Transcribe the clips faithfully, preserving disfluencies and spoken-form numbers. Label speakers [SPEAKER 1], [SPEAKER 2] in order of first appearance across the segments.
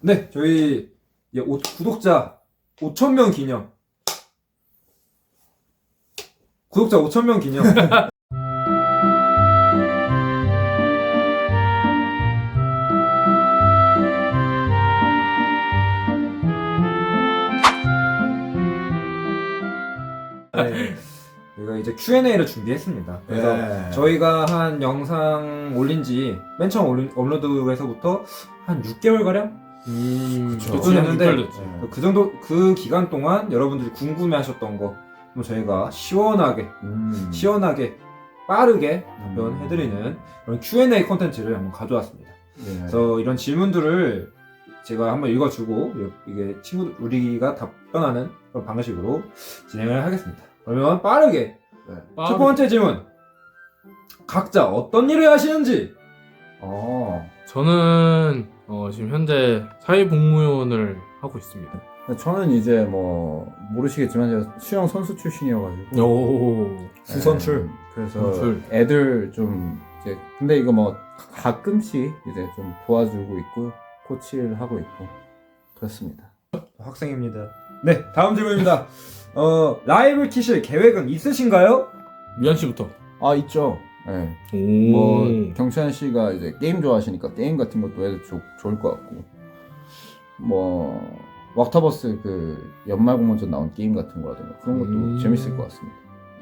[SPEAKER 1] 네, 저희 이제 오- 구독자 오천 명 기념. 구독자 오천 명 기념. 네, 저희가 이제 큐 앤 에이를 준비했습니다. 그래서
[SPEAKER 2] 네.
[SPEAKER 1] 저희가 한 영상 올린 지 맨 처음 올린, 업로드에서부터 한 육 개월 가량
[SPEAKER 2] 음,
[SPEAKER 1] 그쵸. 됐는데,
[SPEAKER 2] 네.
[SPEAKER 1] 그 정도 그 기간 동안 여러분들이 궁금해하셨던 거 한번 저희가 시원하게
[SPEAKER 2] 음.
[SPEAKER 1] 시원하게 빠르게
[SPEAKER 2] 음.
[SPEAKER 1] 답변해드리는 그런 큐 앤 에이 콘텐츠를 한번 가져왔습니다.
[SPEAKER 2] 네.
[SPEAKER 1] 그래서 이런 질문들을 제가 한번 읽어주고 이게 친구 우리가 답변하는 그런 방식으로 진행을 하겠습니다. 그러면 빠르게
[SPEAKER 2] 네.
[SPEAKER 1] 첫 번째 질문, 각자 어떤 일을 하시는지.
[SPEAKER 2] 어.
[SPEAKER 3] 저는 어, 지금 현재 사회복무원을 하고 있습니다.
[SPEAKER 2] 저는 이제 뭐 모르시겠지만 제가 수영 선수 출신이어가지고
[SPEAKER 3] 오,
[SPEAKER 1] 수선출.
[SPEAKER 2] 네. 그래서
[SPEAKER 3] 선출.
[SPEAKER 2] 애들 좀 이제 근데 이거 뭐 가끔씩 이제 좀 도와주고 있고 코치를 하고 있고 그렇습니다.
[SPEAKER 1] 학생입니다. 네, 다음 질문입니다. 어, 라이브 키실 계획은 있으신가요?
[SPEAKER 3] 미안 씨부터.
[SPEAKER 2] 아 있죠. 네.
[SPEAKER 3] 오,
[SPEAKER 2] 뭐 경찬 씨가 이제 게임 좋아하시니까 게임 같은 것도 해도 좋, 좋을 것 같고 뭐 왁타버스 그 연말 공모전 나온 게임 같은 거라든가 그런 것도
[SPEAKER 3] 음.
[SPEAKER 2] 재밌을 것 같습니다.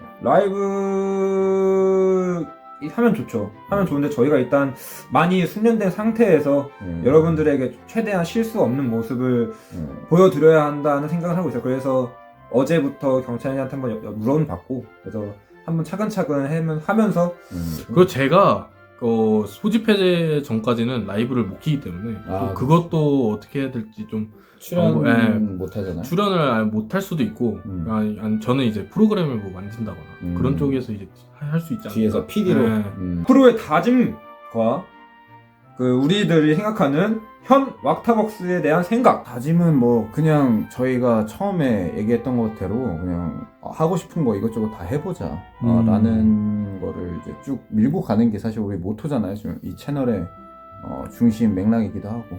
[SPEAKER 1] 라이브 하면 좋죠. 하면 좋은데 저희가 일단 많이 숙련된 상태에서
[SPEAKER 2] 음.
[SPEAKER 1] 여러분들에게 최대한 실수 없는 모습을
[SPEAKER 2] 음.
[SPEAKER 1] 보여드려야 한다는 생각을 하고 있어요. 그래서 어제부터 경찬이한테 한번 여- 여- 물어는 받고 그래서 한번 차근차근 해면- 하면서
[SPEAKER 2] 음.
[SPEAKER 3] 그리고 제가 어, 소집 해제 전까지는 라이브를 못 키기 때문에
[SPEAKER 2] 아,
[SPEAKER 3] 또 그것도 어떻게 해야 될지 좀
[SPEAKER 2] 출연
[SPEAKER 3] 예.
[SPEAKER 2] 못 하잖아요.
[SPEAKER 3] 출연을 못 할 수도 있고
[SPEAKER 2] 음.
[SPEAKER 3] 아니, 아니, 저는 이제 프로그램을 뭐 만든다거나
[SPEAKER 2] 음.
[SPEAKER 3] 그런 쪽에서 이제 할 수 있지 않을까.
[SPEAKER 2] 뒤에서 피디로.
[SPEAKER 3] 네.
[SPEAKER 2] 음.
[SPEAKER 1] 프로의 다짐과 그 우리들이 생각하는 현 왁타벅스에 대한 생각.
[SPEAKER 2] 다짐은 뭐 그냥 저희가 처음에 얘기했던 것대로 그냥 하고 싶은 거 이것저것 다 해보자 어,
[SPEAKER 3] 음.
[SPEAKER 2] 라는 거를 이제 쭉 밀고 가는 게 사실 우리 모토잖아요. 지금 이 채널의 어, 중심 맥락이기도 하고.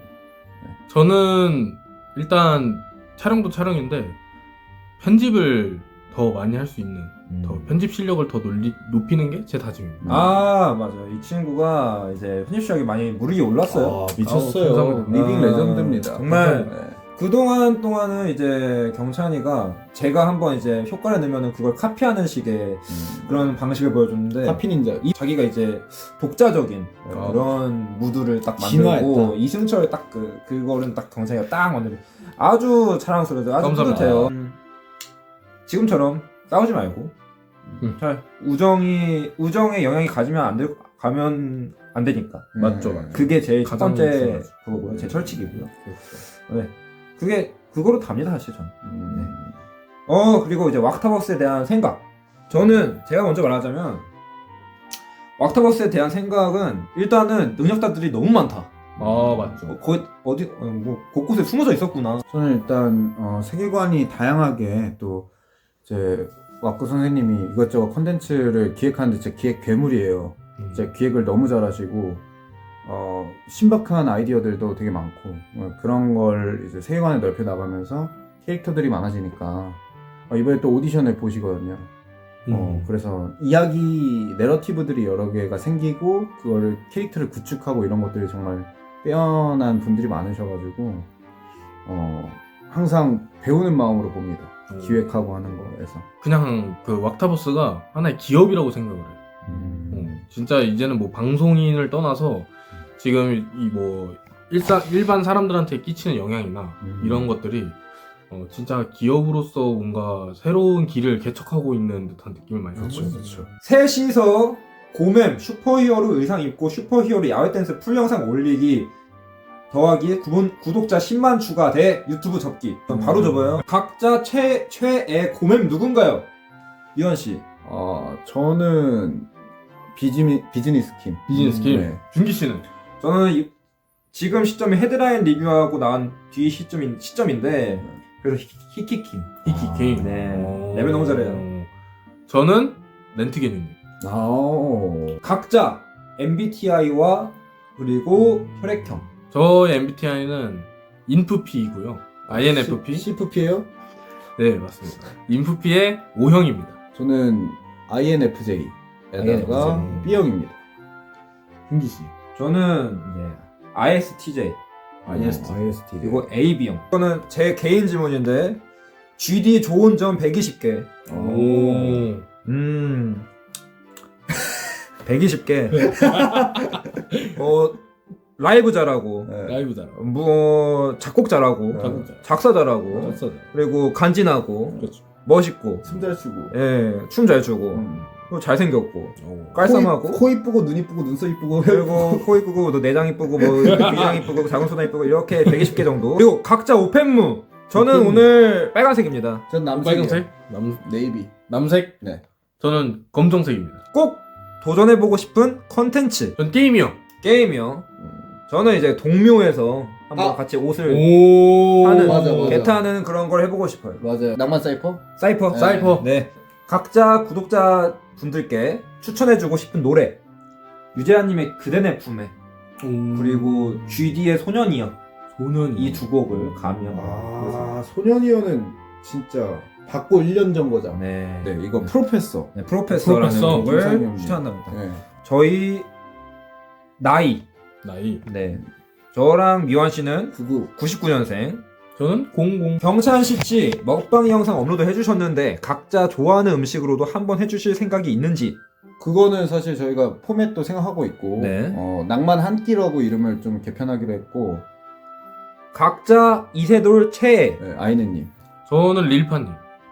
[SPEAKER 3] 저는 일단 촬영도 촬영인데 편집을 더 많이 할 수 있는
[SPEAKER 2] 음.
[SPEAKER 3] 더 편집 실력을 더 놀리, 높이는 게 제 다짐입니다.
[SPEAKER 1] 아 맞아요. 이 친구가 이제 편집 실력이 많이 무르기 올랐어요.
[SPEAKER 2] 아, 미쳤어요.
[SPEAKER 3] 아우, 감사합니다.
[SPEAKER 2] 리빙
[SPEAKER 1] 아,
[SPEAKER 2] 레전드입니다.
[SPEAKER 1] 정말
[SPEAKER 2] 네.
[SPEAKER 1] 그동안 동안은 이제 경찬이가 제가 한번 이제 효과를 내면은 그걸 카피하는 식의
[SPEAKER 2] 음.
[SPEAKER 1] 그런 방식을 보여줬는데
[SPEAKER 2] 카피 닌자.
[SPEAKER 1] 이 자기가 이제 독자적인
[SPEAKER 3] 아.
[SPEAKER 1] 그런 무드를 딱
[SPEAKER 2] 진화했다.
[SPEAKER 1] 만들고 이승철 딱 그 그거는 딱 경찬이가 딱 만들고 아주 자랑스러워요. 아주
[SPEAKER 3] 감사합니다.
[SPEAKER 1] 뿌듯해요. 음, 지금처럼 싸우지 말고
[SPEAKER 3] 음.
[SPEAKER 1] 잘 우정이 우정에 영향이 가지면 안 될 가면 안 되니까.
[SPEAKER 3] 맞죠,
[SPEAKER 2] 네.
[SPEAKER 3] 맞죠.
[SPEAKER 1] 그게 제일 첫
[SPEAKER 3] 가장
[SPEAKER 1] 번째
[SPEAKER 3] 중요하죠.
[SPEAKER 1] 그거고요. 제 철칙이고요.
[SPEAKER 2] 그렇죠.
[SPEAKER 1] 네. 그게 그거로 답니다 사실 저는.
[SPEAKER 2] 음.
[SPEAKER 1] 어 그리고 이제 왁타버스에 대한 생각. 저는 제가 먼저 말하자면 왁타버스에 대한 생각은 일단은 능력자들이 너무 많다.
[SPEAKER 3] 아 맞죠.
[SPEAKER 1] 어, 거의 어디 어, 뭐 곳곳에 숨어져 있었구나.
[SPEAKER 2] 저는 일단 어, 세계관이 다양하게 또 이제 왁구 선생님이 이것저것 컨텐츠를 기획하는데 진짜 기획 괴물이에요.
[SPEAKER 3] 음.
[SPEAKER 2] 진짜 기획을 너무 잘하시고 어, 신박한 아이디어들도 되게 많고 어, 그런 걸 이제 세계관을 넓혀 나가면서 캐릭터들이 많아지니까 어, 이번에 또 오디션을 보시거든요. 어,
[SPEAKER 3] 음.
[SPEAKER 2] 그래서 이야기 내러티브들이 여러 개가 생기고 그거를 캐릭터를 구축하고 이런 것들이 정말 빼어난 분들이 많으셔가지고 어, 항상 배우는 마음으로 봅니다.
[SPEAKER 3] 오.
[SPEAKER 2] 기획하고 하는 거에서.
[SPEAKER 3] 그냥 그 왁타버스가 하나의 기업이라고 생각을 해요.
[SPEAKER 2] 음.
[SPEAKER 3] 어, 진짜 이제는 뭐 방송인을 떠나서 지금 이 뭐 일사 일반 사람들한테 끼치는 영향이나
[SPEAKER 2] 음.
[SPEAKER 3] 이런 것들이 어, 진짜 기업으로서 뭔가 새로운 길을 개척하고 있는 듯한 느낌을 많이 받고 있어요.
[SPEAKER 2] 그렇죠.
[SPEAKER 1] 셋이서 고맴 슈퍼히어로 의상 입고 슈퍼히어로 야외 댄스 풀 영상 올리기 더하기 구분, 구독자 십만 추가돼 유튜브 접기. 그럼 바로
[SPEAKER 2] 음.
[SPEAKER 1] 접어요. 각자 최 최애 고맴 누군가요? 유한 씨.
[SPEAKER 2] 어, 저는 비즈니, 비즈니스 킴.
[SPEAKER 3] 비즈니스 킴.
[SPEAKER 2] 네.
[SPEAKER 3] 준기 씨는
[SPEAKER 1] 저는 이- 지금 시점이 헤드라인 리뷰하고 나온 뒤 시점인 시점인데 그래서 히- 히키킴.
[SPEAKER 3] 히키킹.
[SPEAKER 1] 네.
[SPEAKER 3] 어.
[SPEAKER 1] 레벨 너무 잘해요.
[SPEAKER 3] 저는 렌트게님님.
[SPEAKER 2] 아오.
[SPEAKER 1] 각자 엠비티아이와 그리고 혈액형.
[SPEAKER 3] 저의 엠비티아이는 인프피이고요. 아이엔에프피.
[SPEAKER 2] 씨에프피예요?
[SPEAKER 3] 네, 맞습니다. 인프피의 오형입니다.
[SPEAKER 2] 저는 아이엔에프제이에다가
[SPEAKER 1] 아이엔에프제이.
[SPEAKER 2] B형입니다.
[SPEAKER 3] 흥기 씨.
[SPEAKER 1] 저는 이제 아이에스티제이
[SPEAKER 3] 아이에스티.
[SPEAKER 2] 아이에스티.
[SPEAKER 1] 그리고 에이비형. 이거는 제 개인 질문인데 지디 좋은 점 백이십 개.
[SPEAKER 3] 오.
[SPEAKER 1] 음. 백이십 개. 어 라이브 잘하고,
[SPEAKER 2] 네.
[SPEAKER 3] 라이브 잘하고.
[SPEAKER 1] 뭐 작곡 잘하고,
[SPEAKER 3] 작곡 잘.
[SPEAKER 1] 작사 잘하고,
[SPEAKER 3] 작사 잘.
[SPEAKER 1] 그리고 간지나고,
[SPEAKER 3] 그렇죠.
[SPEAKER 1] 멋있고,
[SPEAKER 2] 춤잘 추고.
[SPEAKER 1] 예, 춤 잘 추고,
[SPEAKER 2] 음.
[SPEAKER 1] 또 잘생겼고,
[SPEAKER 3] 오.
[SPEAKER 1] 깔쌈하고,
[SPEAKER 2] 코, 이- 코 이쁘고 눈 이쁘고 눈썹 이쁘고.
[SPEAKER 1] 그리고 코 이쁘고, 또 내장 이쁘고, 뭐 위장 이쁘고, 작은 소나 이쁘고, 이렇게 백이십 개 정도. 그리고 각자 오펜무. 저는
[SPEAKER 2] 오펜무.
[SPEAKER 1] 오늘 빨간색입니다.
[SPEAKER 2] 전 남색이요.
[SPEAKER 3] 빨간색? 남
[SPEAKER 2] 네이비.
[SPEAKER 3] 남색?
[SPEAKER 2] 네.
[SPEAKER 3] 저는 검정색입니다.
[SPEAKER 1] 꼭 도전해보고 싶은 컨텐츠.
[SPEAKER 3] 전 게임이요.
[SPEAKER 1] 게임이요. 저는 이제 동묘에서 한번
[SPEAKER 2] 아.
[SPEAKER 1] 같이 옷을
[SPEAKER 3] 오.
[SPEAKER 1] 하는,
[SPEAKER 2] 맞아, 맞아.
[SPEAKER 1] 개타는 그런 걸 해보고 싶어요.
[SPEAKER 2] 맞아요. 낭만 사이퍼?
[SPEAKER 1] 사이퍼.
[SPEAKER 2] 네.
[SPEAKER 3] 사이퍼.
[SPEAKER 1] 네. 각자 구독자 분들께 추천해주고 싶은 노래. 유재하님의 그대 내 품에,
[SPEAKER 3] 오.
[SPEAKER 1] 그리고 지디의 소년이여.
[SPEAKER 3] 소년.
[SPEAKER 1] 이 두 곡을 가미한
[SPEAKER 2] 아, 소년이어는 진짜 받고 일 년 전 거잖아.
[SPEAKER 1] 네.
[SPEAKER 2] 네, 이거 프로페서.
[SPEAKER 1] 네, 프로페서라는
[SPEAKER 3] 프로페서.
[SPEAKER 1] 곡을
[SPEAKER 2] 김상현 님.
[SPEAKER 1] 추천한답니다.
[SPEAKER 2] 네.
[SPEAKER 1] 저희 나이.
[SPEAKER 3] 나이.
[SPEAKER 1] 네. 저랑 미완 씨는
[SPEAKER 2] 구구.
[SPEAKER 1] 구십구 년생.
[SPEAKER 3] 저는 공공.
[SPEAKER 1] 경찬 씨치 먹방 영상 업로드 해주셨는데 각자 좋아하는 음식으로도 한번 해주실 생각이 있는지.
[SPEAKER 2] 그거는 사실 저희가 포맷도 생각하고 있고,
[SPEAKER 1] 네.
[SPEAKER 2] 어, 낭만 한 끼라고 이름을 좀 개편하기로 했고,
[SPEAKER 1] 각자 이세돌 최애.
[SPEAKER 2] 네, 아이네님.
[SPEAKER 3] 저는 릴파님.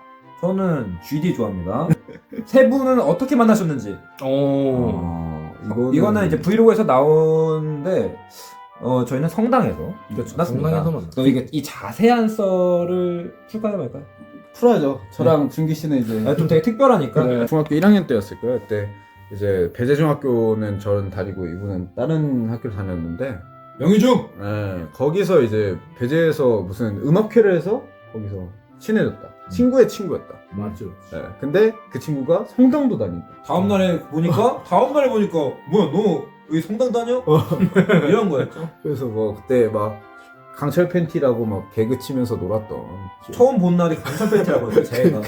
[SPEAKER 1] 저는 지디 좋아합니다. 세 분은 어떻게 만나셨는지.
[SPEAKER 3] 오.
[SPEAKER 2] 어, 이거는,
[SPEAKER 1] 이거는 이제 브이로그에서 나오는데 어 저희는 성당에서
[SPEAKER 3] 그렇죠.
[SPEAKER 1] 만났습니다.
[SPEAKER 3] 성당에서 만났어요.
[SPEAKER 1] 그럼 이게 이 자세한 썰을 풀까요 말까요?
[SPEAKER 2] 풀어야죠. 저랑 준기 씨는 이제
[SPEAKER 1] 아, 좀 되게 특별하니까.
[SPEAKER 2] 네, 중학교 일 학년 때였을 거예요. 그때 이제 배재중학교는 저는 다니고 이분은 다른 학교를 다녔는데,
[SPEAKER 1] 영희중.
[SPEAKER 2] 네, 거기서 이제 배재에서 무슨 음악회를 해서 거기서 친해졌다. 친구의 친구였다.
[SPEAKER 3] 맞죠.
[SPEAKER 2] 네, 근데 그 친구가 성당도 다닌다.
[SPEAKER 1] 다음 날에 보니까 다음 날에 보니까 뭐야 너 여기 성당 다녀? 이런 거였죠.
[SPEAKER 2] 그래서 뭐 그때 막 강철 팬티라고 막 개그 치면서 놀았던.
[SPEAKER 1] 처음 본 날이 강철 팬티라고 했어요 제가.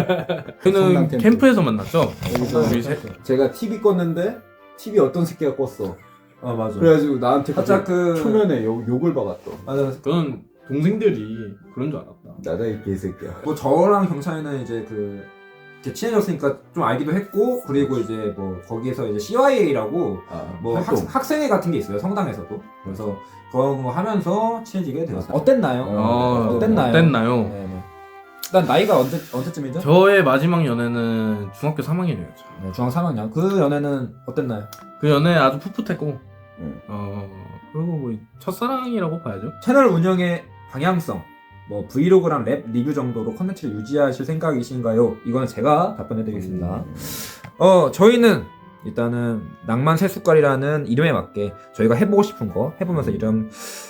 [SPEAKER 3] 저는
[SPEAKER 2] 성당 캠프.
[SPEAKER 3] 캠프에서 만났죠.
[SPEAKER 2] 여기서
[SPEAKER 3] 우리 셋.
[SPEAKER 2] 제가 티비 껐는데 티비 어떤 새끼가 껐어.
[SPEAKER 1] 아 맞아.
[SPEAKER 2] 그래가지고 나한테
[SPEAKER 1] 살짝
[SPEAKER 2] 그
[SPEAKER 1] 그
[SPEAKER 2] 초면에 욕, 욕을 박았던.
[SPEAKER 1] 맞아.
[SPEAKER 3] 저는 동생들이 그런 줄 알았다.
[SPEAKER 2] 나다 이 개새끼야.
[SPEAKER 1] 뭐 저랑 경찬이는 이제 그 이렇게 친해졌으니까 좀 알기도 했고 그리고 이제 뭐 거기에서 이제 씨와이에이라고
[SPEAKER 2] 아,
[SPEAKER 1] 뭐 학,
[SPEAKER 2] 활동.
[SPEAKER 1] 학생회 같은 게 있어요 성당에서도. 그래서 그런 거 하면서 친해지게 되었어요. 어땠나요?
[SPEAKER 2] 어,
[SPEAKER 1] 어땠나요?
[SPEAKER 3] 어땠나요?
[SPEAKER 1] 네, 네. 일단 나이가 언제 언제쯤이죠?
[SPEAKER 3] 저의 마지막 연애는 중학교 삼 학년이었죠.
[SPEAKER 1] 네, 중학 삼 학년. 그 연애는 어땠나요?
[SPEAKER 3] 그 연애 아주 풋풋했고,
[SPEAKER 2] 음.
[SPEAKER 3] 어 그리고 뭐 첫사랑이라고 봐야죠.
[SPEAKER 1] 채널 운영의 방향성, 뭐 브이로그랑 랩 리뷰 정도로 컨텐츠를 유지하실 생각이신가요? 이거는 제가 답변해드리겠습니다.
[SPEAKER 2] 음.
[SPEAKER 1] 어 저희는 일단은 낭만 세숟갈이라는 이름에 맞게 저희가 해보고 싶은 거 해보면서 이런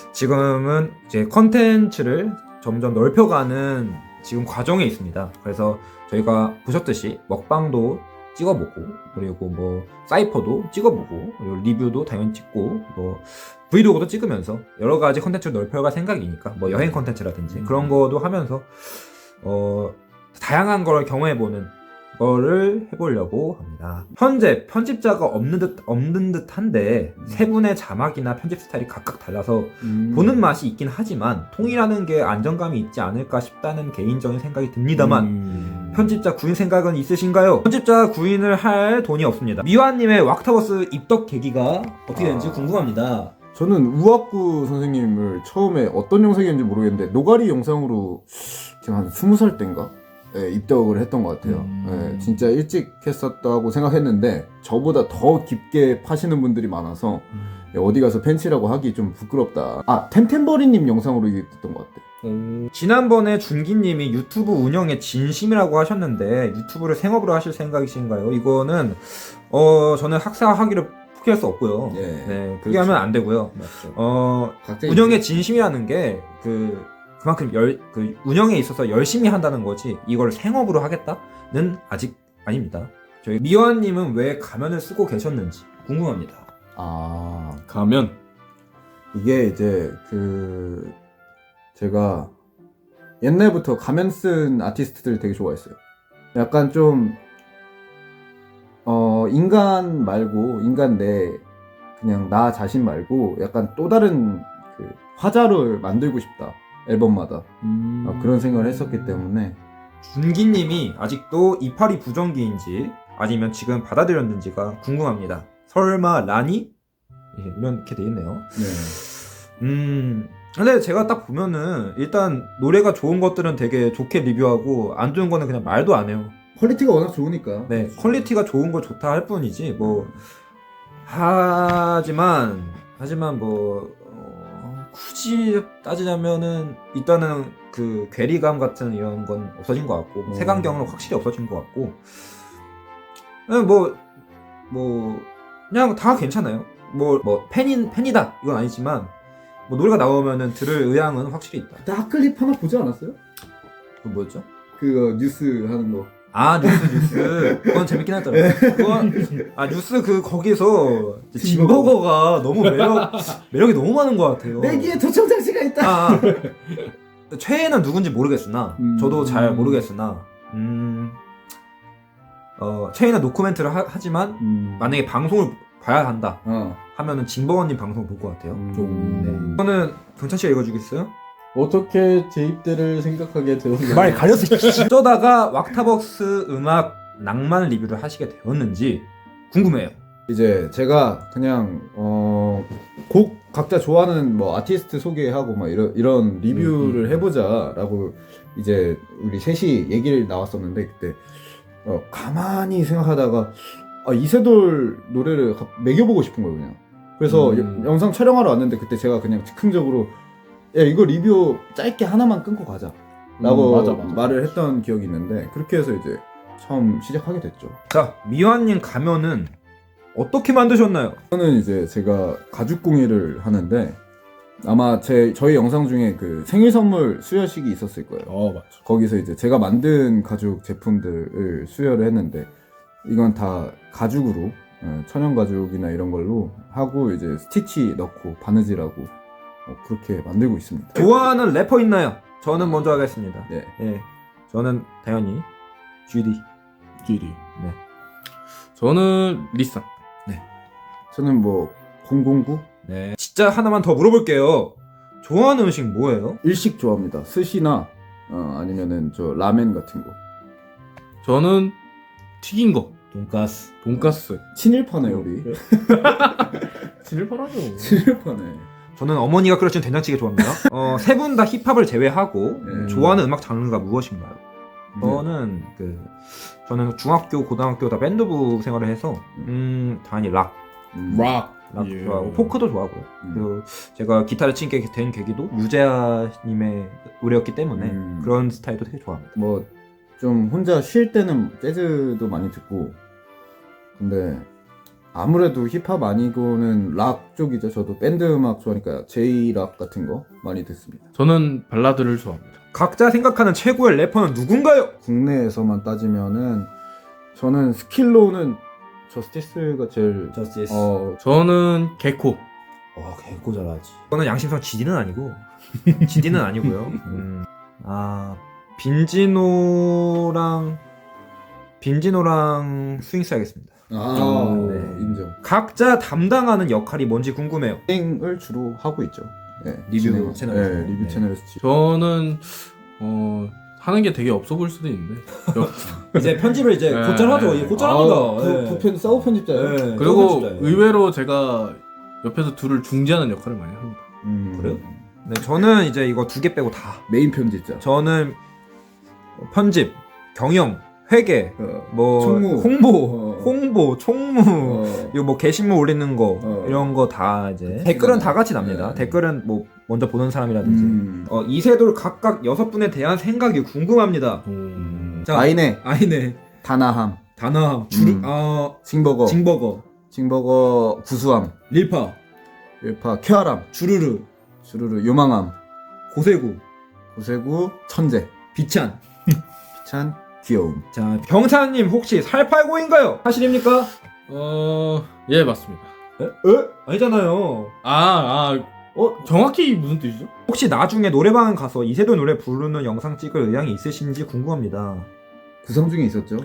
[SPEAKER 1] 지금은 이제 컨텐츠를 점점 넓혀가는 지금 과정에 있습니다. 그래서 저희가 보셨듯이 먹방도 찍어보고 그리고 뭐 사이퍼도 찍어보고 그리고 리뷰도 당연히 찍고 뭐 브이로그도 찍으면서 여러 가지 컨텐츠를 넓혀갈 생각이니까 뭐 여행 컨텐츠라든지 그런 거도 하면서 어 다양한 걸 경험해보는 거를 해보려고 합니다. 현재 편집자가 없는 듯 없는 듯한데 세 분의 자막이나 편집 스타일이 각각 달라서
[SPEAKER 2] 음.
[SPEAKER 1] 보는 맛이 있긴 하지만 통일하는 게 안정감이 있지 않을까 싶다는 개인적인 생각이 듭니다만
[SPEAKER 3] 음.
[SPEAKER 1] 편집자 구인 생각은 있으신가요? 편집자 구인을 할 돈이 없습니다. 미화님의 왁타버스 입덕 계기가 어떻게 되는지
[SPEAKER 2] 아.
[SPEAKER 1] 궁금합니다.
[SPEAKER 2] 저는 우학구 선생님을 처음에 어떤 영상이었는지 모르겠는데 노가리 영상으로 제가 한 스무 살 때인가? 네, 입덕을 했던 것 같아요.
[SPEAKER 3] 음.
[SPEAKER 2] 네, 진짜 일찍 했었다고 생각했는데 저보다 더 깊게 파시는 분들이 많아서
[SPEAKER 3] 음.
[SPEAKER 2] 어디 가서 팬츠라고 하기 좀 부끄럽다. 아, 템템버리님 영상으로 이게 됐던 것 같아.
[SPEAKER 3] 오.
[SPEAKER 1] 지난번에 준기님이 유튜브 운영에 진심이라고 하셨는데 유튜브를 생업으로 하실 생각이신가요? 이거는 어 저는 학사하기를 포기할 수 없고요.
[SPEAKER 2] 예,
[SPEAKER 1] 네, 포기하면 안 되고요.
[SPEAKER 2] 맞죠.
[SPEAKER 1] 어
[SPEAKER 2] 각자
[SPEAKER 1] 운영의 진심이라는 게 그 그만큼 열 그 운영에 있어서 열심히 한다는 거지 이걸 생업으로 하겠다는 아직 아닙니다. 저희 미화님은 왜 가면을 쓰고 계셨는지 궁금합니다.
[SPEAKER 2] 아,
[SPEAKER 3] 가면
[SPEAKER 2] 이게 이제 그 제가 옛날부터 가면 쓴 아티스트들 되게 좋아했어요. 약간 좀 어, 인간 말고 인간 내 그냥 나 자신 말고 약간 또 다른 그 화자를 만들고 싶다. 앨범마다
[SPEAKER 1] 음...
[SPEAKER 2] 어, 그런 생각을 했었기 때문에
[SPEAKER 1] 준기님이 아직도 이파리 부정기인지 아니면 지금 받아들였는지가 궁금합니다. 설마 라니? 예, 이렇게 돼 있네요.
[SPEAKER 2] 네.
[SPEAKER 1] 음, 근데 제가 딱 보면은 일단 노래가 좋은 것들은 되게 좋게 리뷰하고 안 좋은 거는 그냥 말도 안 해요.
[SPEAKER 2] 퀄리티가 워낙 좋으니까.
[SPEAKER 1] 네, 퀄리티가 좋은 거 좋다 할 뿐이지 뭐 하지만 하지만 뭐 어, 굳이 따지자면은 일단은 그 괴리감 같은 이런 건 없어진 것 같고
[SPEAKER 2] 음.
[SPEAKER 1] 색안경은 확실히 없어진 것 같고 뭐뭐 뭐 그냥 다 괜찮아요. 뭐 뭐 팬인 팬이다 이건 아니지만 뭐 노래가 나오면은 들을 의향은 확실히 있다.
[SPEAKER 2] 그때 핫클립 하나 보지 않았어요?
[SPEAKER 1] 그 뭐였죠?
[SPEAKER 2] 그거 뉴스 하는 거.
[SPEAKER 1] 아 뉴스 뉴스 그건 재밌긴 하더라고요. 그건 아 뉴스 그 거기서 진버거가 너무 매력 매력이 너무 많은 것 같아요.
[SPEAKER 2] 내기에 도청 장치가 있다.
[SPEAKER 1] 아, 아. 최애는 누군지 모르겠으나
[SPEAKER 2] 음.
[SPEAKER 1] 저도 잘 모르겠으나 음, 어, 최애는 노코멘트를 하, 하지만
[SPEAKER 2] 음.
[SPEAKER 1] 만약에 방송을 봐야 한다
[SPEAKER 2] 어.
[SPEAKER 1] 하면은 진버거님 방송을 볼 것 같아요.
[SPEAKER 2] 음.
[SPEAKER 1] 네. 이거는 경찬 씨가 읽어주겠어요?
[SPEAKER 3] 어떻게 제 입대를 생각하게 되었나요?
[SPEAKER 1] 말 가렸어. 어쩌다가 왁타벅스 음악 낭만 리뷰를 하시게 되었는지 궁금해요.
[SPEAKER 2] 이제 제가 그냥 어, 곡 각자 좋아하는 뭐 아티스트 소개하고 막 이런 이런 리뷰를
[SPEAKER 1] 음, 음.
[SPEAKER 2] 해보자라고 이제 우리 셋이 얘기를 나왔었는데 그때 어, 가만히 생각하다가 아, 이세돌 노래를 가- 매겨보고 싶은 거예요 그냥. 그래서
[SPEAKER 1] 음.
[SPEAKER 2] 여- 영상 촬영하러 왔는데 그때 제가 그냥 즉흥적으로 야 이거 리뷰 짧게 하나만 끊고 가자 라고
[SPEAKER 3] 음, 맞아, 맞아.
[SPEAKER 2] 말을 했던 기억이 있는데 그렇게 해서 이제 처음 시작하게 됐죠.
[SPEAKER 1] 자, 미화님 가면은 어떻게 만드셨나요?
[SPEAKER 2] 저는 이제 제가 가죽 공예를 하는데 아마 제 저희 영상 중에 그 생일 선물 수여식이 있었을 거예요.
[SPEAKER 3] 어 맞죠.
[SPEAKER 2] 거기서 이제 제가 만든 가죽 제품들을 수여를 했는데 이건 다 가죽으로 어, 천연 가죽이나 이런 걸로 하고 이제 스티치 넣고 바느질하고 어, 그렇게 만들고 있습니다.
[SPEAKER 1] 좋아하는 래퍼 있나요? 저는 먼저 하겠습니다.
[SPEAKER 2] 네.
[SPEAKER 1] 예, 저는 당연히 지디.
[SPEAKER 3] 지디.
[SPEAKER 1] 네.
[SPEAKER 3] 저는 리쌍.
[SPEAKER 2] 저는 뭐 공공구
[SPEAKER 1] 네. 진짜 하나만 더 물어볼게요. 좋아하는 음식 뭐예요?
[SPEAKER 2] 일식 좋아합니다. 스시나 어, 아니면은 저 라멘 같은 거.
[SPEAKER 3] 저는 튀긴 거.
[SPEAKER 1] 돈가스.
[SPEAKER 3] 돈가스.
[SPEAKER 2] 친일파네 우리.
[SPEAKER 3] 진일파라죠.
[SPEAKER 2] 친일파네.
[SPEAKER 1] 저는 어머니가 끓여준 된장찌개 좋아합니다. 어, 세 분 다 힙합을 제외하고
[SPEAKER 2] 네.
[SPEAKER 1] 좋아하는 음악 장르가 무엇인가요? 저는 그 저는 중학교, 고등학교 다 밴드부 생활을 해서 음 당연히 락,
[SPEAKER 2] 음.
[SPEAKER 3] 락.
[SPEAKER 1] 락
[SPEAKER 3] 예.
[SPEAKER 1] 좋아하고 포크도 좋아하고요.
[SPEAKER 2] 음.
[SPEAKER 1] 그리고 제가 기타를 치게 된 계기도 유재하님의 노래였기 때문에
[SPEAKER 2] 음.
[SPEAKER 1] 그런 스타일도 되게 좋아합니다.
[SPEAKER 2] 뭐 좀 혼자 쉴 때는 재즈도 많이 듣고 근데 아무래도 힙합 아니고는 락 쪽이죠. 저도 밴드 음악 좋아하니까 제이락 같은 거 많이 듣습니다.
[SPEAKER 3] 저는 발라드를 좋아합니다.
[SPEAKER 1] 각자 생각하는 최고의 래퍼는 누군가요?
[SPEAKER 2] 국내에서만 따지면은 저는 스킬로는 저스티스가 제일
[SPEAKER 1] 저스티스.
[SPEAKER 2] 어
[SPEAKER 3] 저는 개코.
[SPEAKER 1] 어, 개고 잘하지. 저는 양심상 지디는 아니고 지디는 아니고요. 음, 아 빈지노랑 빈지노랑 스윙스 하겠습니다.
[SPEAKER 2] 아,
[SPEAKER 1] 네.
[SPEAKER 2] 인정.
[SPEAKER 1] 각자 담당하는 역할이 뭔지 궁금해요.
[SPEAKER 2] 진행을 주로 하고 있죠. 네,
[SPEAKER 1] 리뷰
[SPEAKER 2] 진행.
[SPEAKER 1] 채널에서.
[SPEAKER 2] 네, 리뷰
[SPEAKER 1] 네.
[SPEAKER 2] 채널에서 지-
[SPEAKER 3] 저는 어 하는 게 되게 없어 보일 수도 있는데.
[SPEAKER 1] 이제 편집을 이제
[SPEAKER 3] 네.
[SPEAKER 1] 곧잘 하죠. 이제 곧잘 합니다.
[SPEAKER 2] 아, 부, 부편 사우 편집자예요.
[SPEAKER 1] 네.
[SPEAKER 3] 그리고
[SPEAKER 1] 편집자예요.
[SPEAKER 3] 의외로 제가 옆에서 둘을 중재하는 역할을 많이 합니다.
[SPEAKER 2] 음,
[SPEAKER 1] 그래요? 네, 저는 이제 이거 두 개 빼고 다.
[SPEAKER 2] 메인 편집자.
[SPEAKER 1] 저는 편집, 경영, 회계,
[SPEAKER 2] 어,
[SPEAKER 1] 뭐
[SPEAKER 2] 총무.
[SPEAKER 1] 홍보,
[SPEAKER 2] 어.
[SPEAKER 1] 홍보, 총무,
[SPEAKER 2] 어.
[SPEAKER 1] 이거 뭐 게시물 올리는 거
[SPEAKER 2] 어.
[SPEAKER 1] 이런 거 다 이제 댓글은 다 같이 납니다.
[SPEAKER 2] 네.
[SPEAKER 1] 댓글은 뭐 먼저 보는 사람이라든지.
[SPEAKER 2] 음.
[SPEAKER 1] 어, 이세돌 각각 여섯 분에 대한 생각이 궁금합니다.
[SPEAKER 3] 음.
[SPEAKER 1] 자,
[SPEAKER 2] 아이네,
[SPEAKER 1] 아이네,
[SPEAKER 2] 다나함,
[SPEAKER 1] 다나, 주르,
[SPEAKER 2] 음.
[SPEAKER 1] 아,
[SPEAKER 2] 징버거,
[SPEAKER 1] 징버거,
[SPEAKER 2] 징버거, 구수함,
[SPEAKER 1] 릴파,
[SPEAKER 2] 일파, 쾌활함,
[SPEAKER 1] 주르르,
[SPEAKER 2] 주르르, 요망함,
[SPEAKER 1] 고세구,
[SPEAKER 2] 고세구, 천재,
[SPEAKER 1] 비찬.
[SPEAKER 2] 비찬, 귀여움.
[SPEAKER 1] 자, 병사님 혹시 살팔고인가요? 사실입니까?
[SPEAKER 3] 어, 예, 맞습니다.
[SPEAKER 1] 에? 에? 아니잖아요.
[SPEAKER 3] 아, 아, 어 정확히 무슨 뜻이죠?
[SPEAKER 1] 혹시 나중에 노래방 가서 이세돌 노래 부르는 영상 찍을 의향이 있으신지 궁금합니다.
[SPEAKER 2] 구성 중에 있었죠.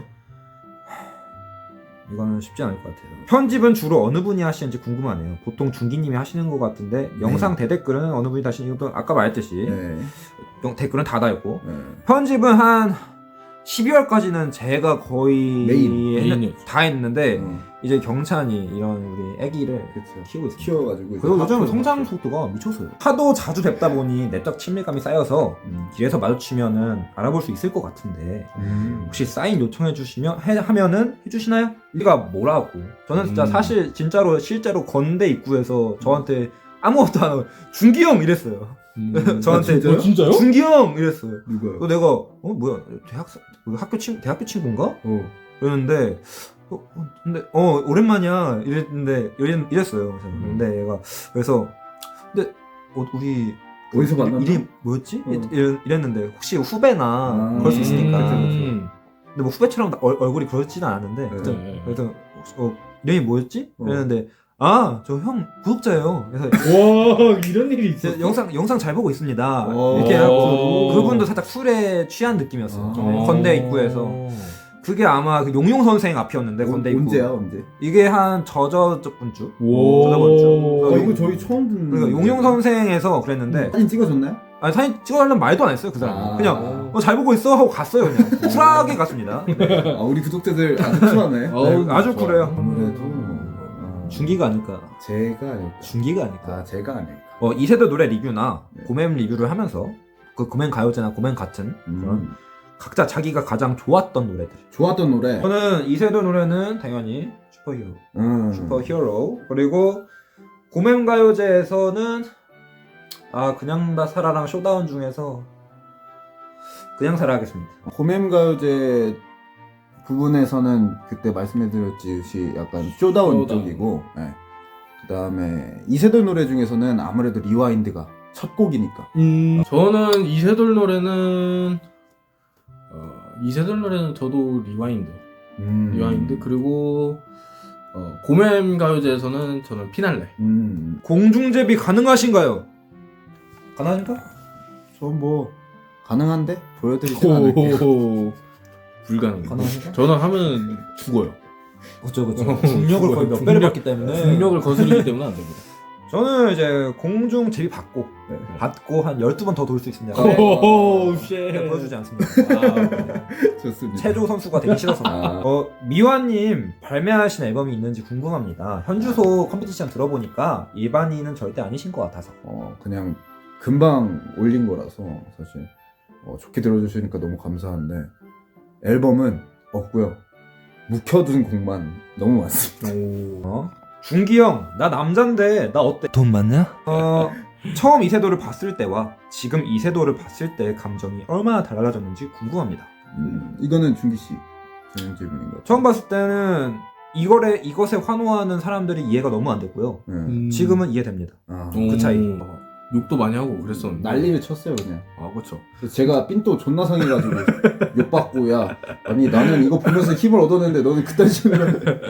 [SPEAKER 1] 이거는 쉽지 않을 것 같아요. 편집은 주로 어느 분이 하시는지 궁금하네요. 보통 중기님이 하시는 것 같은데 영상 대댓글은 어느 분이 다시는 것도 아까 말했듯이
[SPEAKER 2] 네.
[SPEAKER 1] 영- 댓글은 다 달고
[SPEAKER 2] 네.
[SPEAKER 1] 편집은 한 십이월까지는 제가 거의
[SPEAKER 2] 메인,
[SPEAKER 1] 했-
[SPEAKER 3] 메인이었죠.
[SPEAKER 1] 다 했는데
[SPEAKER 2] 어,
[SPEAKER 1] 이제 경찬이 이런 우리 애기를
[SPEAKER 2] 그쵸.
[SPEAKER 1] 키우고 있어요.
[SPEAKER 2] 키워가지고 이제
[SPEAKER 1] 그리고 요즘
[SPEAKER 2] 앞으로
[SPEAKER 1] 성장
[SPEAKER 2] 갔죠.
[SPEAKER 1] 속도가 미쳤어요. 하도 자주 뵙다 보니 내적 친밀감이 쌓여서 음, 길에서 마주치면은 알아볼 수 있을 것 같은데
[SPEAKER 2] 음.
[SPEAKER 1] 혹시 사인 요청해 주시면 해, 하면은 해주시나요? 우리가 뭐라고? 저는 진짜
[SPEAKER 3] 음.
[SPEAKER 1] 사실 진짜로 실제로 건대 입구에서 저한테 아무것도 안 하고 준기 형 이랬어요.
[SPEAKER 3] 음.
[SPEAKER 1] 저한테
[SPEAKER 2] 아, 진짜요?
[SPEAKER 3] 어, 진짜요?
[SPEAKER 1] 준기 형 이랬어요.
[SPEAKER 2] 누가요?
[SPEAKER 1] 그 내가 어 뭐야 대학생 그 학교 친 대학교 친구인가?
[SPEAKER 2] 어.
[SPEAKER 1] 그랬는데 어, 어, 근데 어 오랜만이야 이랬는데 이랬, 이랬어요. 그래서
[SPEAKER 2] 음.
[SPEAKER 1] 근데 얘가 그래서 근데 어, 우리
[SPEAKER 2] 어디서
[SPEAKER 1] 그
[SPEAKER 2] 만났나?
[SPEAKER 1] 이름 뭐였지?
[SPEAKER 2] 어.
[SPEAKER 1] 이랬, 이랬는데 혹시 후배나
[SPEAKER 2] 아.
[SPEAKER 1] 그럴 수 있으니까.
[SPEAKER 2] 그쵸, 그쵸.
[SPEAKER 3] 음.
[SPEAKER 1] 근데 뭐 후배처럼 얼, 얼굴이 그렇지는 않았는데
[SPEAKER 2] 네.
[SPEAKER 1] 그래서,
[SPEAKER 3] 네.
[SPEAKER 1] 그래서 혹시, 어, 이름이 뭐였지?
[SPEAKER 2] 어.
[SPEAKER 1] 이랬는데 아 저 형 구독자예요. 그래서
[SPEAKER 3] 와 이런 일이 있어.
[SPEAKER 1] 제 영상 영상 잘 보고 있습니다.
[SPEAKER 2] 오.
[SPEAKER 1] 이렇게 하고
[SPEAKER 3] 오.
[SPEAKER 1] 그분도 살짝 술에 취한 느낌이었어요.
[SPEAKER 2] 아.
[SPEAKER 1] 좀 건대 입구에서 그게 아마 그 용용 선생 앞이었는데
[SPEAKER 2] 어,
[SPEAKER 1] 건대 입구.
[SPEAKER 2] 언제야 언제?
[SPEAKER 1] 이게 한 저저번 주.
[SPEAKER 3] 오.
[SPEAKER 1] 저저번 주.
[SPEAKER 2] 아
[SPEAKER 1] 용-
[SPEAKER 2] 이거 저희 처음 듣는.
[SPEAKER 1] 그러니까 용용 선생에서 그랬는데
[SPEAKER 2] 사진 찍어줬나요?
[SPEAKER 1] 아니 사진 찍어달라는 말도 안 했어요 그 사람.
[SPEAKER 2] 아.
[SPEAKER 1] 그냥 어, 잘 보고 있어 하고 갔어요 그냥. 쿨하게 갔습니다. 네.
[SPEAKER 2] 아 우리 구독자들 아주 쿨하네.
[SPEAKER 3] 어우,
[SPEAKER 1] 네, 아주
[SPEAKER 3] 좋아.
[SPEAKER 1] 쿨해요.
[SPEAKER 2] 아무래도
[SPEAKER 1] 음.
[SPEAKER 2] 어,
[SPEAKER 1] 중기가 아닐까.
[SPEAKER 2] 제가 아닐까.
[SPEAKER 1] 중기가 아닐까.
[SPEAKER 2] 아 제가 아닐까.
[SPEAKER 1] 어, 이세대 노래 리뷰나
[SPEAKER 2] 네.
[SPEAKER 1] 고맨 리뷰를 하면서 그 고맨 가요제나 고맨 같은 그런
[SPEAKER 2] 음.
[SPEAKER 1] 각자 자기가 가장 좋았던 노래들.
[SPEAKER 2] 좋았던 노래.
[SPEAKER 1] 저는 이세대 노래는 당연히 슈퍼히어로.
[SPEAKER 2] 음.
[SPEAKER 1] 슈퍼히어로. 그리고 고맨 가요제에서는 아 그냥 다 살아랑 쇼다운 중에서 그냥 살아 하겠습니다.
[SPEAKER 2] 고맴 가요제 부분에서는 그때 말씀해드렸듯이 약간 쇼다운
[SPEAKER 3] 쇼다운.
[SPEAKER 2] 쪽이고, 예. 그 다음에 이세돌 노래 중에서는 아무래도 리와인드가 첫 곡이니까.
[SPEAKER 3] 음, 저는 이세돌 노래는 어, 이세돌 노래는 저도 리와인드,
[SPEAKER 2] 음.
[SPEAKER 3] 리와인드 그리고 어, 고맨 가요제에서는 저는 피날레.
[SPEAKER 2] 음.
[SPEAKER 1] 공중제비 가능하신가요? 가능하신가?
[SPEAKER 2] 저뭐 가능한데 보여드리지 않을게요.
[SPEAKER 3] 오, 불가능.
[SPEAKER 1] 가능하신가?
[SPEAKER 3] 저는 하면 죽어요.
[SPEAKER 1] 그쵸 그쵸.
[SPEAKER 3] 어,
[SPEAKER 1] 중력을 거의 몇
[SPEAKER 3] 중력-
[SPEAKER 1] 배를 받기 때문에
[SPEAKER 3] 중력을 거스르기 때문에 안 됩니다.
[SPEAKER 1] 저는 이제 공중 제비 받고
[SPEAKER 2] 네.
[SPEAKER 1] 받고 한 열두 번 더 돌 수 있습니다.
[SPEAKER 3] 오,
[SPEAKER 1] 네, 보여주지 않습니다.
[SPEAKER 2] 좋습니다.
[SPEAKER 1] 체조 선수가 되기 싫어서.
[SPEAKER 2] 아.
[SPEAKER 1] 어, 미화님 발매하신 앨범이 있는지 궁금합니다. 현주소 컴피티션 들어보니까 일반인은 절대 아니신 것 같아서.
[SPEAKER 2] 어, 그냥 금방 올린 거라서 사실 어, 좋게 들어주시니까 너무 감사한데 앨범은 없고요. 묵혀둔 곡만 너무 많습니다.
[SPEAKER 1] 어? 준기 형, 나 남잔데 나 어때? 돈 많냐? 어, 처음 이세돌을 봤을 때와 지금 이세돌을 봤을 때의 감정이 얼마나 달라졌는지 궁금합니다.
[SPEAKER 2] 음, 이거는 준기 씨 전용 질문인 것 같아요.
[SPEAKER 1] 처음 봤을 때는 이거에 이것에 환호하는 사람들이 이해가 너무 안 됐고요.
[SPEAKER 2] 네.
[SPEAKER 3] 음.
[SPEAKER 1] 지금은 이해됩니다.
[SPEAKER 2] 아,
[SPEAKER 1] 그 차이.
[SPEAKER 3] 어, 욕도 많이 하고 그랬었는데.
[SPEAKER 2] 난리를 쳤어요 그냥.
[SPEAKER 3] 아, 그렇죠.
[SPEAKER 2] 그래서 제가 삔또 존나 상해가지고 욕받고 야 아니 나는 이거 보면서 힘을 얻었는데 너는 그딴 식으로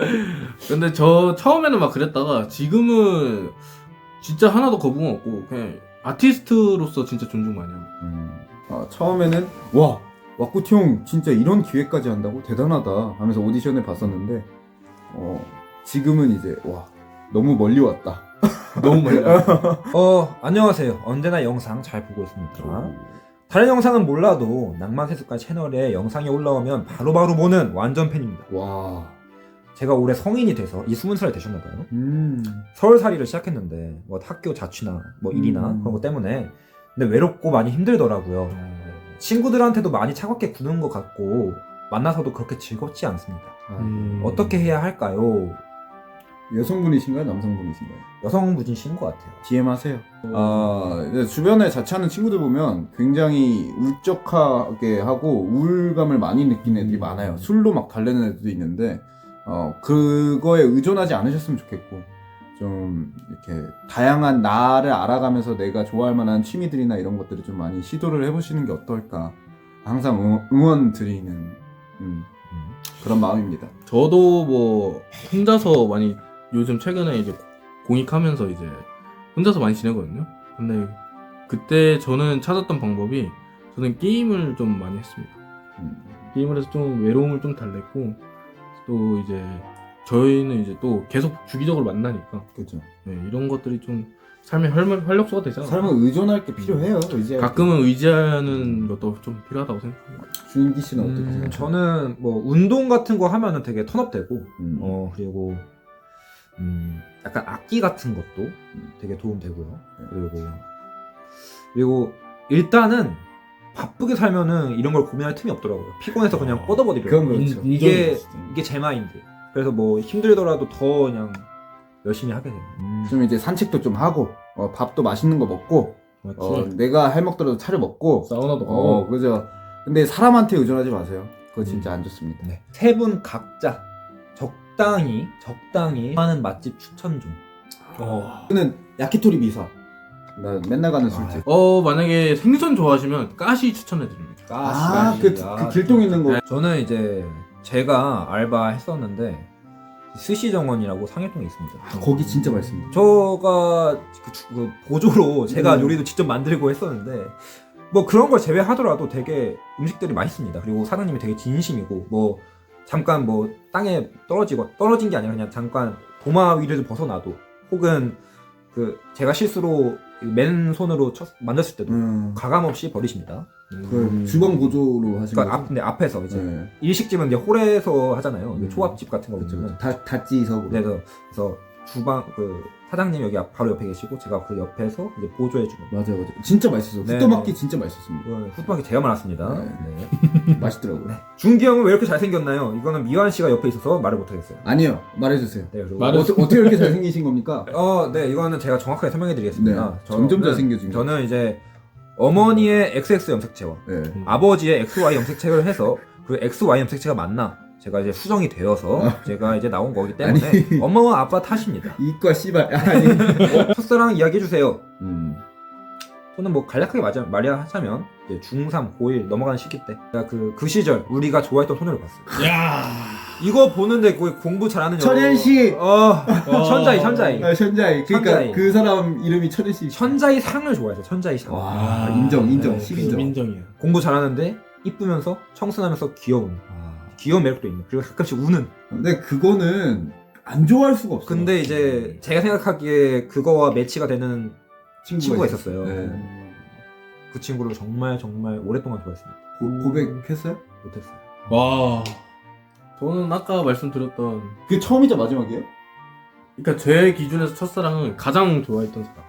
[SPEAKER 3] 근데 저 처음에는 막 그랬다가 지금은 진짜 하나도 거부감 없고 그냥 아티스트로서 진짜 존중 많이 합니다.
[SPEAKER 2] 음. 아, 처음에는 와 왁구티 형 진짜 이런 기회까지 한다고 대단하다 하면서 오디션을 봤었는데 어, 지금은 이제 와 너무 멀리 왔다.
[SPEAKER 3] 너무 많이 합니다.
[SPEAKER 1] 어, 안녕하세요. 언제나 영상 잘 보고 있습니다. 다른 영상은 몰라도 낭만세습관 채널에 영상이 올라오면 바로바로 보는 완전 팬입니다.
[SPEAKER 2] 와.
[SPEAKER 1] 제가 올해 성인이 돼서 이 스무 살이 되셨나봐요.
[SPEAKER 2] 음.
[SPEAKER 1] 서울살이를 시작했는데 뭐 학교 자취나 뭐 일이나
[SPEAKER 2] 음.
[SPEAKER 1] 그런 것 때문에 근데 외롭고 많이 힘들더라고요. 친구들한테도 많이 차갑게 구는 것 같고 만나서도 그렇게 즐겁지 않습니다.
[SPEAKER 2] 아,
[SPEAKER 3] 음.
[SPEAKER 1] 어떻게 해야 할까요?
[SPEAKER 2] 여성분이신가요? 남성분이신가요?
[SPEAKER 1] 여성분이신 것 같아요.
[SPEAKER 2] 디엠 하세요. 아, 이제 주변에 자취하는 친구들 보면 굉장히 울적하게 하고 우울감을 많이 느끼는 애들이
[SPEAKER 3] 음.
[SPEAKER 2] 많아요. 술로 막 달래는 애들도 있는데, 어, 그거에 의존하지 않으셨으면 좋겠고, 좀, 이렇게, 다양한 나를 알아가면서 내가 좋아할 만한 취미들이나 이런 것들을 좀 많이 시도를 해보시는 게 어떨까. 항상 응원, 응원 드리는, 음, 그런 마음입니다.
[SPEAKER 3] 저도 뭐 혼자서 많이 요즘 최근에 이제 공익하면서 이제 혼자서 많이 지내거든요. 근데 그때 저는 찾았던 방법이 저는 게임을 좀 많이 했습니다.
[SPEAKER 2] 음.
[SPEAKER 3] 게임을 해서 좀 외로움을 좀 달랬고 또 이제 저희는 이제 또 계속 주기적으로 만나니까
[SPEAKER 2] 그렇죠.
[SPEAKER 3] 네, 이런 것들이 좀 삶의 활, 활력소가 되잖아요.
[SPEAKER 2] 삶은 의존할 게 필요해요. 이제
[SPEAKER 3] 가끔은 의지하는 것도 좀 필요하다고 생각합니다.
[SPEAKER 2] 주인기 씨는 어떻게
[SPEAKER 1] 음,
[SPEAKER 2] 생각해요?
[SPEAKER 1] 저는 뭐 운동 같은 거 하면은 되게 턴업되고
[SPEAKER 2] 음.
[SPEAKER 1] 어 그리고 음 약간 악기 같은 것도 되게 도움되고요.
[SPEAKER 2] 네.
[SPEAKER 1] 그리고 그리고 일단은 바쁘게 살면은 이런 걸 고민할 틈이 없더라고요. 피곤해서 그냥
[SPEAKER 3] 어,
[SPEAKER 1] 뻗어버리려고.
[SPEAKER 2] 그건 그렇죠.
[SPEAKER 3] 인-
[SPEAKER 1] 이게
[SPEAKER 3] 인정이
[SPEAKER 1] 이게 제 마인드. 그래서 뭐 힘들더라도 더 그냥 열심히 하게 돼요. 음,
[SPEAKER 2] 좀 이제 산책도 좀 하고 어, 밥도 맛있는 거 먹고
[SPEAKER 1] 맞지.
[SPEAKER 2] 어, 내가 할 먹더라도 차려 먹고
[SPEAKER 3] 사우나도 가고
[SPEAKER 2] 어 그죠. 근데 사람한테 의존하지 마세요. 그거 진짜 안 좋습니다.
[SPEAKER 1] 네. 세 분 각자 적당히 적당히 하는 맛집 추천 좀.
[SPEAKER 3] 어.
[SPEAKER 2] 저는 야키토리 미사. 나 맨날 가는 술집.
[SPEAKER 3] 어 만약에 생선 좋아하시면 가시 추천해드립니다.
[SPEAKER 2] 아, 그, 그 길동 있는 거.
[SPEAKER 1] 저는 이제 제가 알바 했었는데 스시 정원이라고 상해동에 있습니다.
[SPEAKER 2] 아, 거기 진짜 맛있습니다.
[SPEAKER 1] 저가 그, 주- 그 보조로 제가
[SPEAKER 2] 음.
[SPEAKER 1] 요리도 직접 만들고 했었는데 뭐 그런 걸 제외하더라도 되게 음식들이 맛있습니다. 그리고 사장님이 되게 진심이고 뭐 잠깐 뭐 땅에 떨어지고 떨어진 게 아니라 그냥 잠깐 도마 위를 벗어나도 혹은 그 제가 실수로 맨손으로 쳤, 만졌을 때도
[SPEAKER 2] 음.
[SPEAKER 1] 가감 없이 버리십니다.
[SPEAKER 2] 그 주방 보조로 하신
[SPEAKER 1] 그러니까
[SPEAKER 2] 거죠?
[SPEAKER 1] 앞, 네, 앞에서 이제
[SPEAKER 2] 네.
[SPEAKER 1] 일식집은 이제 홀에서 하잖아요.
[SPEAKER 2] 음.
[SPEAKER 1] 초밥집 같은 거
[SPEAKER 2] 그렇죠.
[SPEAKER 1] 보면은.
[SPEAKER 2] 다 다찌석으로.
[SPEAKER 1] 네, 그래서, 그래서 주방 그 사장님 여기 앞- 바로 옆에 계시고 제가 그 옆에서 이제 보조해 주는.
[SPEAKER 2] 맞아요, 맞아요. 진짜 맛있었어요.
[SPEAKER 1] 네,
[SPEAKER 2] 후토마키
[SPEAKER 1] 네.
[SPEAKER 2] 진짜 맛있었습니다.
[SPEAKER 1] 후뚜막이 제가 많았습니다.
[SPEAKER 2] 네.
[SPEAKER 1] 네.
[SPEAKER 2] 맛있더라고요.
[SPEAKER 1] 네. 준기 형은 왜 이렇게 잘생겼나요? 이거는 미완 씨가 옆에 있어서 말을 못 하겠어요.
[SPEAKER 2] 아니요, 말해주세요.
[SPEAKER 1] 네, 그리고
[SPEAKER 3] 말을-
[SPEAKER 2] 어떻게, 어떻게 이렇게 잘생기신 겁니까?
[SPEAKER 1] 어, 네, 이거는 제가 정확하게 설명해 드리겠습니다.
[SPEAKER 2] 네, 점점 잘생겨진 것
[SPEAKER 1] 저는 이제 어머니의 엑스엑스 염색체와
[SPEAKER 2] 네.
[SPEAKER 1] 아버지의 엑스와이 염색체를 해서 그 엑스와이 염색체가 맞나 제가 이제 수정이 되어서 제가 이제 나온 거기 때문에
[SPEAKER 2] 아니.
[SPEAKER 1] 엄마와 아빠 탓입니다.
[SPEAKER 2] 이과 씨발. 아니.
[SPEAKER 1] 첫사랑 이야기해 주세요.
[SPEAKER 2] 음.
[SPEAKER 1] 저는 뭐 간략하게 말하, 말하자면 이제 중삼, 고일 넘어가는 시기 때 제가 그, 그 시절 우리가 좋아했던 소녀를 봤어요.
[SPEAKER 3] 야.
[SPEAKER 1] 이거 보는데 거의 공부 잘하는
[SPEAKER 2] 천연 씨!
[SPEAKER 1] 어, 천자이 천자이
[SPEAKER 2] 아, 천자이. 그러니까
[SPEAKER 1] 천자이.
[SPEAKER 2] 그 사람 이름이 천연 씨.
[SPEAKER 1] 천자이 상을 좋아해서 천자이 상.
[SPEAKER 2] 와, 인정, 인정,
[SPEAKER 1] 네,
[SPEAKER 2] 십인정.
[SPEAKER 3] 인정이야.
[SPEAKER 1] 공부 잘하는데 이쁘면서 청순하면서 귀여운 귀여운 매력도 있는 그리고 가끔씩 우는.
[SPEAKER 2] 근데 그거는 안 좋아할 수가 없어.
[SPEAKER 1] 근데 이제 제가 생각하기에 그거와 매치가 되는
[SPEAKER 2] 친구가,
[SPEAKER 1] 친구가
[SPEAKER 2] 있었어요.
[SPEAKER 1] 있었어요.
[SPEAKER 2] 네.
[SPEAKER 1] 그 친구를 정말 정말 오랫동안 좋아했습니다.
[SPEAKER 2] 고, 고백했어요?
[SPEAKER 1] 못했어요.
[SPEAKER 3] 와. 저는 아까 말씀드렸던
[SPEAKER 2] 그게 처음이자 마지막이에요?
[SPEAKER 3] 그러니까 제 기준에서 첫사랑은 가장 좋아했던 사람.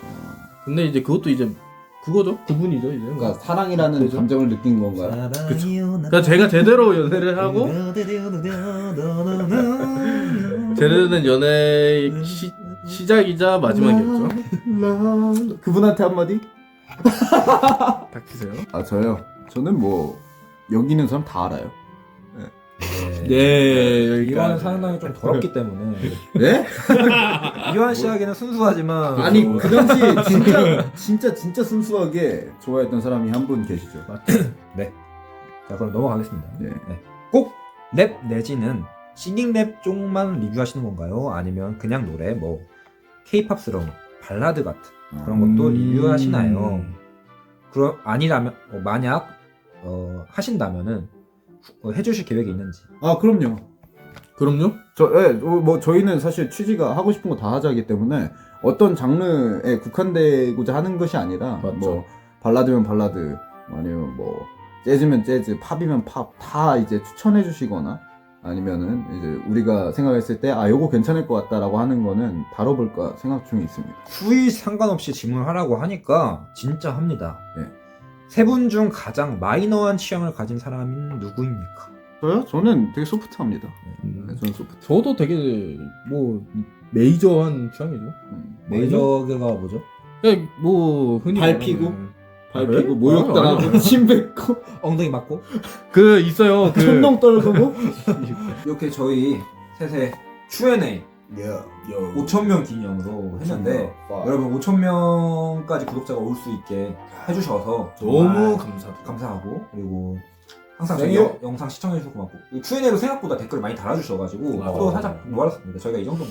[SPEAKER 3] 근데 이제 그것도 이제 그거죠. 그분이죠 이제.
[SPEAKER 2] 그러니까 사랑이라는
[SPEAKER 3] 그죠?
[SPEAKER 2] 감정을 느낀 건가요?
[SPEAKER 3] 그쵸. 그러니까 제가 제대로 연애를 하고 제대로 된 연애의 시, 시작이자 마지막이었죠.
[SPEAKER 2] 그분한테 한마디?
[SPEAKER 3] 닥치세요.
[SPEAKER 2] 아 저요? 저는 뭐 여기 있는 사람 다 알아요.
[SPEAKER 3] 네,
[SPEAKER 1] 이거는 상당히 좀 더럽기 때문에
[SPEAKER 2] 네?
[SPEAKER 1] 이완 씨 하기는 순수하지만
[SPEAKER 2] 아니
[SPEAKER 1] 뭐-
[SPEAKER 2] 그 당시 진짜 진짜 진짜 순수하게 좋아했던 사람이 한 분 계시죠.
[SPEAKER 1] 자 그럼 넘어가겠습니다.
[SPEAKER 2] 네.
[SPEAKER 1] 꼭 랩 내지는 싱잉랩 쪽만 리뷰하시는 건가요? 아니면 그냥 노래 뭐 케이팝스러운 발라드 같은 그런 것도
[SPEAKER 2] 음.
[SPEAKER 1] 리뷰하시나요? 그럼 아니라면 어, 만약 어, 하신다면은 후- 어, 해주실 계획이 있는지.
[SPEAKER 2] 아 그럼요.
[SPEAKER 3] 그럼요.
[SPEAKER 2] 저, 예, 뭐, 뭐 저희는 사실 취지가 하고 싶은 거 다 하자기 때문에 어떤 장르에 국한되고자 하는 것이 아니라
[SPEAKER 3] 맞죠.
[SPEAKER 2] 뭐 발라드면 발라드 아니면 뭐 재즈면 재즈 팝이면 팝 다 이제 추천해 주시거나 아니면은 이제 우리가 생각했을 때 아 요거 괜찮을 것 같다라고 하는 거는 다뤄볼까 생각 중에 있습니다.
[SPEAKER 1] 후이 상관없이 질문하라고 하니까 진짜 합니다.
[SPEAKER 2] 네.
[SPEAKER 1] 세 분 중 가장 마이너한 취향을 가진 사람은 누구입니까?
[SPEAKER 2] 저요? 저는 되게 소프트합니다.
[SPEAKER 3] 음.
[SPEAKER 2] 네, 저는 소프트.
[SPEAKER 3] 저도 되게 뭐 메이저한 취향이죠.
[SPEAKER 2] 음.
[SPEAKER 1] 메이저가 뭐죠?
[SPEAKER 3] 그냥 뭐 흔히
[SPEAKER 2] 발
[SPEAKER 3] 말하는-
[SPEAKER 2] 피고? 발
[SPEAKER 3] 그래?
[SPEAKER 2] 피고 모욕당하고
[SPEAKER 3] 아니, 아니.
[SPEAKER 2] 침 뱉고
[SPEAKER 1] 엉덩이 맞고?
[SPEAKER 3] 그 있어요. 그
[SPEAKER 2] 천둥 떨구고
[SPEAKER 1] 이렇게 저희 셋의 큐 앤 에이 오천 명 기념으로 했는데 여러분 오천 명까지 구독자가 올 수 있게 해주셔서
[SPEAKER 3] 너무
[SPEAKER 1] 정말
[SPEAKER 3] 감사드려요.
[SPEAKER 1] 감사하고 그리고 항상 저희
[SPEAKER 2] 생일?
[SPEAKER 1] 영- 영상 시청해주셔서 고맙고 큐 앤 에이로 생각보다 댓글을 많이 달아주셔가지고
[SPEAKER 3] 맞아.
[SPEAKER 1] 또 살짝 놀랐습니다. 저희가 이 정도인가?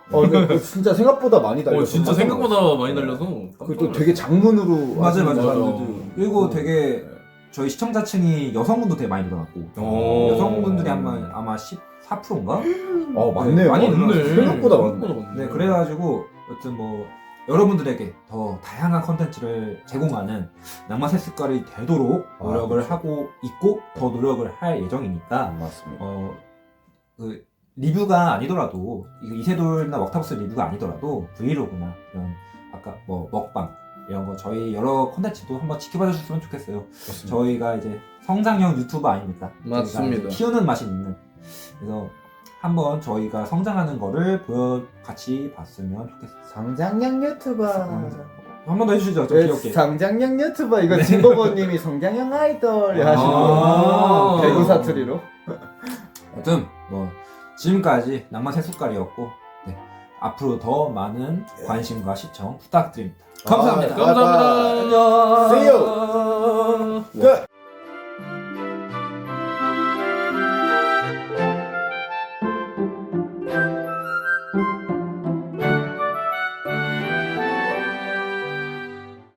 [SPEAKER 2] 어, 근데 그거 진짜 생각보다 많이 달렸어.
[SPEAKER 3] 어, 진짜 생각보다 많이 달려서.
[SPEAKER 2] 그또 되게 장문으로
[SPEAKER 1] 맞아요,
[SPEAKER 2] 하시는
[SPEAKER 1] 맞아요.
[SPEAKER 2] 사람들도
[SPEAKER 1] 그리고
[SPEAKER 2] 있고.
[SPEAKER 1] 되게 저희 시청자층이 여성분도 되게 많이 늘어났고
[SPEAKER 3] 어.
[SPEAKER 1] 여성분들이 아마 아마 십사 퍼센트인가?
[SPEAKER 2] 어, 맞네요.
[SPEAKER 1] 많이
[SPEAKER 3] 맞네.
[SPEAKER 2] 생각보다 많네.
[SPEAKER 3] 생각보다 많네.
[SPEAKER 1] 네, 그래가지고 여튼 뭐 여러분들에게 더 다양한 컨텐츠를 제공하는 낭만 새숟갈이 되도록
[SPEAKER 2] 아,
[SPEAKER 1] 노력을
[SPEAKER 2] 그렇죠.
[SPEAKER 1] 하고 있고 더 노력을 할 예정이니까
[SPEAKER 2] 맞습니다.
[SPEAKER 1] 어, 그 리뷰가 아니더라도 이거 이세돌이나 웍타버스 리뷰가 아니더라도 브이로그나 이런 아까 뭐 먹방 이런 거 저희 여러 컨텐츠도 한번 지켜봐 주셨으면 좋겠어요.
[SPEAKER 2] 그렇습니다.
[SPEAKER 1] 저희가 이제 성장형 유튜버 아닙니까? 저희가
[SPEAKER 3] 맞습니다.
[SPEAKER 1] 이제 키우는 맛이 있는. 그래서 한번 저희가 성장하는 거를 보여 같이 봤으면 좋겠어요.
[SPEAKER 2] 성장형 유튜버.
[SPEAKER 1] 한 번 더 해주시죠, 좀
[SPEAKER 2] 네,
[SPEAKER 1] 귀엽게.
[SPEAKER 2] 성장형 유튜버. 이거
[SPEAKER 1] 네.
[SPEAKER 2] 진버버님이 성장형 아이돌
[SPEAKER 1] 아.
[SPEAKER 2] 하시는 거.
[SPEAKER 3] 아.
[SPEAKER 2] 배구 사투리로.
[SPEAKER 1] 아무튼 뭐 지금까지 낭만 새숟갈이었고 네, 앞으로 더 많은 관심과 시청 부탁드립니다. 감사합니다.
[SPEAKER 2] 아,
[SPEAKER 3] 감사합니다.
[SPEAKER 1] 안녕.
[SPEAKER 2] See you. 끝.